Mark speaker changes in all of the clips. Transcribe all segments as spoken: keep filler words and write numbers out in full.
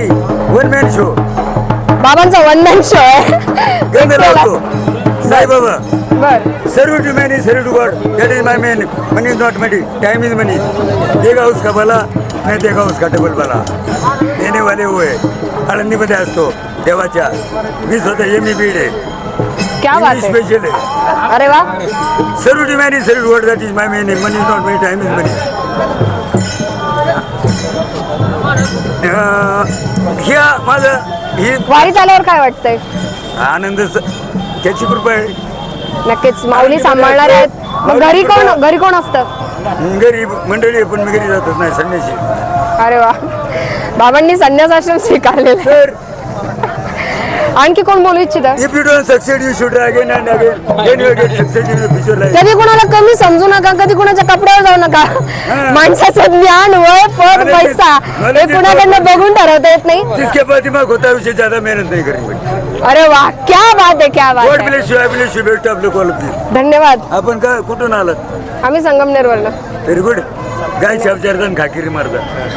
Speaker 1: नाही one man show.
Speaker 2: बाबांचा one man show आहे.
Speaker 1: गंध लावतो साईबाबा.
Speaker 2: बर.
Speaker 1: Serve to many serve to God that is my main. Money is not money, time is money. देगा उसका भला नाही देगा उसका डबल भला. देणे वाले हुए. आळंदीमध्ये असतो देवाच्या. मी स्वतः एम ई बीड आहे.
Speaker 2: क्या बात है.
Speaker 1: स्पेशल आहे.
Speaker 2: अरे वा.
Speaker 1: Serve to many serve to God that is my main. Money is not money, time is money. ह्या माझं ही
Speaker 2: वारीत आल्यावर काय वाटतंय.
Speaker 1: आनंद त्याची कृपा आहे.
Speaker 2: नक्कीच माऊली सांभाळणार आहेत. मग घरी कोण घरी कोण असतं.
Speaker 1: घरी मंडळी आहे, पण मी घरी जातच नाही संन्यासी.
Speaker 2: अरे वा. बाबांनी संन्यास आश्रम स्वीकारलेला.
Speaker 1: तर
Speaker 2: आणखी कोण बोलू इच्छिता.
Speaker 1: If you don't succeed you should again and again then you get succeed in the future life.
Speaker 2: कधी कोणाला कमी समजू नका, कधी कोणाच्या कपड्यावर जाऊ नका. माणसाचं ज्ञान, वय, पद, पैसा हे कुणाकडनं बघून ठरवता येत नाही.
Speaker 1: जिसके पास दिमाग होता है उसे ज्यादा मेहनत नहीं करनी पड़ती.
Speaker 2: अरे वा, क्या बात आहे, क्या बात
Speaker 1: गॉड
Speaker 2: आहे.
Speaker 1: Bless you. I bless you. Best of luck all of you.
Speaker 2: धन्यवाद.
Speaker 1: आपण का कुठून आलात.
Speaker 2: आम्ही संगमनेरवरनं.
Speaker 1: Very good. गाय चारजण खाकिरी मारता.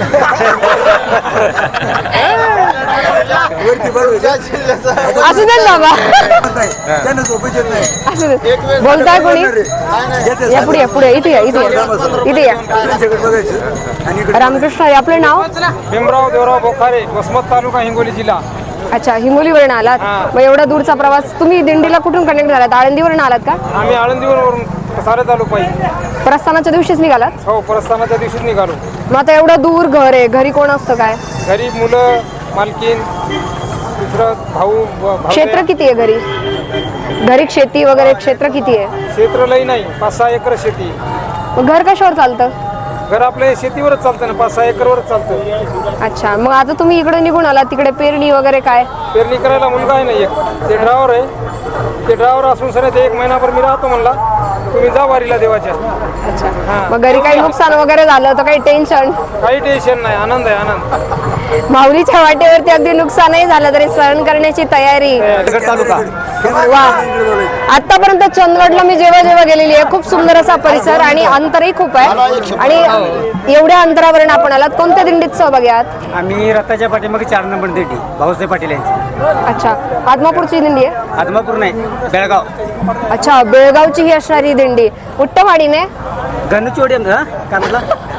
Speaker 2: असू दे ना बाबा.
Speaker 1: त्यांना झोपच येत नाही.
Speaker 2: असू दे. बोलताय कोणी. या पुढे या पुढे इथे या इथे या इथे या.
Speaker 1: त्यांच्याकडे बघायचं. आणि इकडे
Speaker 2: रामकृष्ण हरी. आपलं नाव.
Speaker 3: भीमराव देवराव बोखारे, वसमत तालुका, हिंगोली जिल्हा.
Speaker 2: अच्छा, हिंगोलीवरून आलात. मग एवढा दूरचा प्रवास तुम्ही दिंडीला कुठून कनेक्ट झालात. आळंदीवरून आलात का.
Speaker 3: आम्ही आळंदीवरून सारे तालुका आहे.
Speaker 2: प्रस्थानाच्या दिवशीच निघालात.
Speaker 3: हो, प्रस्थानाच्या दिवशीच निघालो.
Speaker 2: मग आता एवढं दूर घर आहे, घरी कोण असतं काय.
Speaker 3: घरी मुलं, मालकीन, दुसरं भाऊ भाऊ-
Speaker 2: क्षेत्र किती आहे घरी. घरी शेती वगैरे क्षेत्र किती आहे.
Speaker 3: क्षेत्र लई नाही, पाच सहा एकर शेती.
Speaker 2: मग घर कशावर चालतं.
Speaker 3: घर आपल्या शेतीवरच चालतं ना, पाच सहा एकरवरच चालतं.
Speaker 2: अच्छा, मग आता तुम्ही इकडे निघून आलात. तिकडे पेरणी वगैरे काय.
Speaker 3: पेरणी करायला मुलगा आहे ना एक, ते ड्रायव्हर आहे. ते ड्रायव्हर असून सर ते एक महिनाभर मी राहतो म्हणला, तुम्ही जा वारीला देवाच्या.
Speaker 2: अच्छा, मग घरी काही नुकसान वगैरे झालं तर काही टेन्शन.
Speaker 3: काही टेन्शन नाही, आनंद आहे आनंद.
Speaker 2: माऊलीच्या वाटेवरती अगदी नुकसानही झालं तरी सहन करण्याची तयारी.
Speaker 3: तालुका.
Speaker 2: वा. आतापर्यंत चंदगडला मी जेव्हा जेव्हा गेलेली आहे, खूप सुंदर असा परिसर आणि अंतरही खूप आहे. आणि एवढ्या अंतरावरून आपण आलात. कोणत्या दिंडीत सहभागी आहात.
Speaker 4: आम्ही रथाच्या पाठीमागे चार नंबर दिंडी भाऊसाहेब पाटील यांची.
Speaker 2: अच्छा, आदमापूरची दिंडी आहे.
Speaker 4: आदमापूर नाही, बेळगाव.
Speaker 2: अच्छा, बेळगावची ही असणारी दिंडी. उट्टवाडीने
Speaker 4: गणचोडी काय म्हटलं.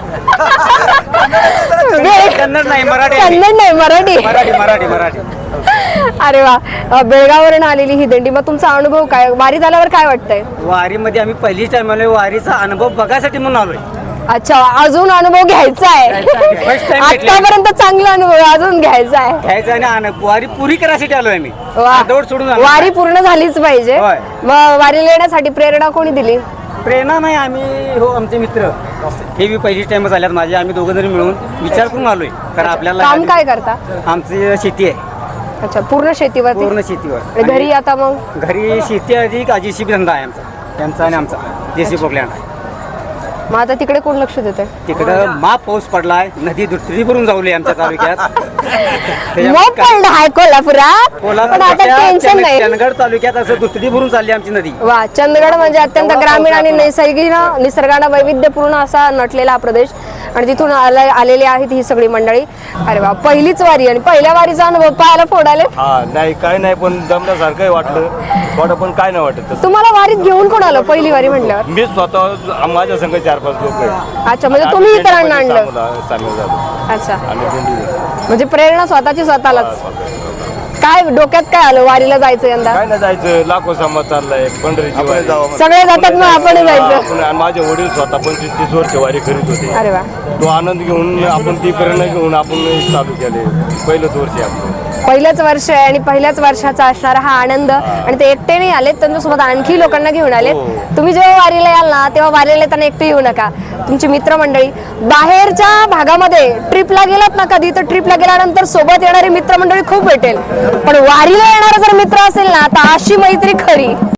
Speaker 4: कन्नड नाही, मराठी.
Speaker 2: कन्नड नाही, मराठी.
Speaker 4: मराठी मराठी मराठी.
Speaker 2: अरे वा. बेळगाववरून आलेली ही दिंडी. मग तुमचा अनुभव काय. वारीत आल्यावर काय वाटतंय.
Speaker 4: वारीमध्ये आम्ही पहिलीच टाइम आलोय. वारीचा अनुभव बघायसाठी म्हणून आलोय.
Speaker 2: अच्छा, अजून अनुभव घ्यायचा आहे.
Speaker 4: First time भेटले.
Speaker 2: आतापर्यंत चांगला अनुभव अजून घ्यायचा आहे.
Speaker 4: घ्यायचं आणि आण- वारी पुरी करायसाठी आलोय आम्ही.
Speaker 2: वा.
Speaker 4: दौड सोडून आलो.
Speaker 2: वारी पूर्ण झालीच पाहिजे.
Speaker 4: होय.
Speaker 2: मग वारीला येण्यासाठी प्रेरणा कोणी दिली.
Speaker 4: प्रेरणा नाही, आम्ही हो आमचे मित्र हे बी पहिलीच टाइमच आल्यात माझे. आम्ही दोघं जणी मिळून विचार करून आलोय. कारण आपल्याला
Speaker 2: काम काय करता.
Speaker 4: आमची शेती आहे.
Speaker 2: अच्छा, पूर्ण शेतीवर.
Speaker 4: पूर्ण शेतीवर.
Speaker 2: घरी आता मग
Speaker 4: घरी शेती अधिक जेसीबी धंदा आहे आमचा. त्यांचा आणि आमचा जेसीबी प्रोग्लँड आहे.
Speaker 2: मग आता तिकडे कोण लक्ष देते.
Speaker 4: तिकडं माप पाऊस पडलाय. नदी दुथडी भरून जाऊली आमच्या तालुक्यात.
Speaker 2: मग पडलं आहे कोल्हापुरात. पण आता टेन्शन नाही.
Speaker 4: चंदगड तालुक्यात असं दुथडी भरून चालली आमची नदी.
Speaker 2: वा. चंदगड म्हणजे अत्यंत ग्रामीण आणि नैसर्गिक निसर्गानं वैविध्यपूर्ण असा नटलेला हा प्रदेश. आणि तिथून आला आलेली आहेत ही सगळी मंडळी. अरे वा, पहिलीच वारी आणि पहिल्या वारीचा अनुभव पाहायला फोडाले.
Speaker 5: हा नाही काय नाही, पण जमण्यासारखंही वाटलं थोडं, पण काय नाही वाटत तसं.
Speaker 2: तुम्हाला वारीत घेऊन कोण आलं पहिली वारी म्हटल्यावर.
Speaker 5: मी स्वतः माझ्या संघ चार पाच लोक आहेत.
Speaker 2: अच्छा, म्हणजे तुम्ही इतरांना आणलं.
Speaker 5: सामील झालो
Speaker 2: अच्छा,
Speaker 5: आणि दिंडी.
Speaker 2: म्हणजे प्रेरणा स्वतःची स्वतःलाच. काय डोक्यात काय आलं वारीला जायचं यंदा.
Speaker 5: काय नाही जायचं, लाखो समाज चाललाय पंढरीची वारी.
Speaker 2: सगळे जातात मग आपण जायचं.
Speaker 5: आपण- आणि माझे वडील स्वतः पंचवीस तीस वर्ष वारी करीत होते.
Speaker 2: अरे वा.
Speaker 5: तो आनंद घेऊन आपण ती प्रेरणा घेऊन आपण चालू केले. पहिलंच वर्ष आहे आपलं.
Speaker 2: पहिलंच वर्ष आहे आणि पहिल्याच वर्षाचा असणारा हा आनंद. आणि ते एकटे नाही आलेत, त्यांच्यासोबत आणखी लोकांना घेऊन आलेत. तुम्ही जेव्हा वारीला याल ना तेव्हा वारीला येताना एकटे येऊ नका. तुमची मित्रमंडळी बाहेरच्या भागामध्ये ट्रिपला गेलात ना कधी, तर ट्रिपला गेल्यानंतर सोबत येणारी मित्रमंडळी खूप भेटेल. पण वारीला येणारा जर मित्र असेल ना तर अशी मैत्री खरी.